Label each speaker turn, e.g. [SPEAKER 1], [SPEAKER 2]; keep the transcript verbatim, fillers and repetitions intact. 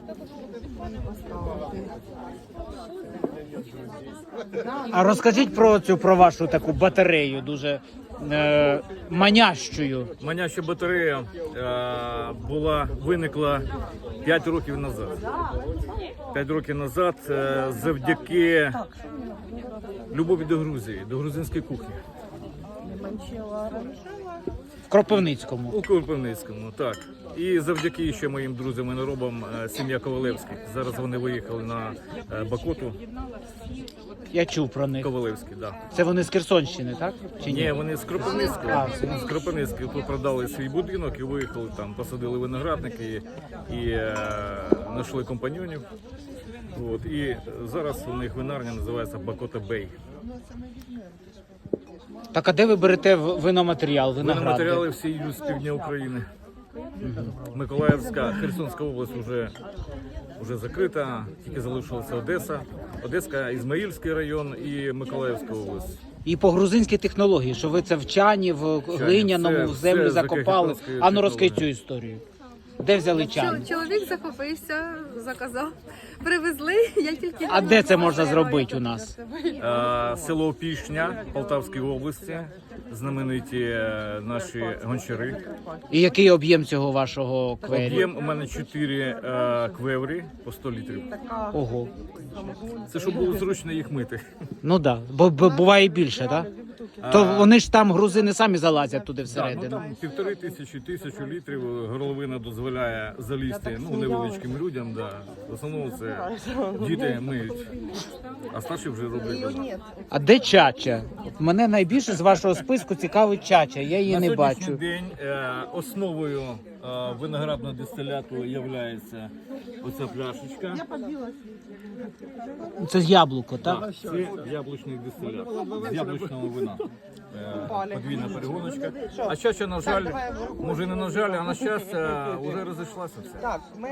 [SPEAKER 1] А розкажіть про цю про вашу таку батарею, дуже е, манящую.
[SPEAKER 2] Маняща батарея е, була виникла п'ять років назад. п'ять років назад е, завдяки любові до Грузії, до грузинської кухні.
[SPEAKER 1] В Кропивницькому.
[SPEAKER 2] У Кропивницькому, так. І завдяки ще моїм друзям і наробам е, сім'я Ковалевських. Зараз вони виїхали на е, Бакоту.
[SPEAKER 1] Я чув про них.
[SPEAKER 2] Ковалевські, так. Да.
[SPEAKER 1] Це вони з Херсонщини, так? Чи ні?
[SPEAKER 2] Ні, вони з Кропивницького.
[SPEAKER 1] А,
[SPEAKER 2] З Кропивницького тут продали свій будинок і виїхали там, посадили виноградники і, і е, знайшли компаньонів. От, і зараз у них винарня називається Бакота Бей.
[SPEAKER 1] Так, а де ви берете в- виноматеріал, виногради?
[SPEAKER 2] Виноматеріали всі йдуть з півдня України. Миколаївська, Херсонська область вже, вже закрита, тільки залишилася Одеса. Одеська, Ізмаїльський район і Миколаївська область.
[SPEAKER 1] І по грузинській технології, що ви це в чані, в глиняному,
[SPEAKER 2] все-
[SPEAKER 1] в землю
[SPEAKER 2] все
[SPEAKER 1] закопали.
[SPEAKER 2] закарпатською
[SPEAKER 1] А ну розкажіть цю
[SPEAKER 2] технологією.
[SPEAKER 1] історію. Де взяли чан?
[SPEAKER 3] Чол- Чоловік захопився, заказав, привезли, я тільки...
[SPEAKER 1] А де це можна зробити у нас?
[SPEAKER 2] Е, Село Пішня Полтавської області, знамениті е, наші гончари.
[SPEAKER 1] І який об'єм цього вашого квері?
[SPEAKER 2] Об'єм у мене чотири е, квеврі по сто літрів.
[SPEAKER 1] Ого.
[SPEAKER 2] Це щоб було зручно їх мити.
[SPEAKER 1] Ну так, да. бо, бо буває і більше, так? Да? То вони ж там, грузини, самі залазять туди
[SPEAKER 2] Так, ну,
[SPEAKER 1] всередину.
[SPEAKER 2] там півтори тисячі, тисячу літрів горловина дозволяє залізти ну, невеличким людям. Да. В основному це діти миють, а старші вже роблять.
[SPEAKER 1] А де чача? Мене найбільше з вашого списку цікавить чача, я її
[SPEAKER 2] На
[SPEAKER 1] не
[SPEAKER 2] сьогоднішній
[SPEAKER 1] бачу.
[SPEAKER 2] день е, основою е, виноградного дистиляту є оця пляшечка.
[SPEAKER 1] Це з яблуко, так?
[SPEAKER 2] Це яблучний дистилят з яблучного вина. Е, Подвійна перегоночка. А чача, на жаль, може не на жаль, а на щастя, вже розійшлася все.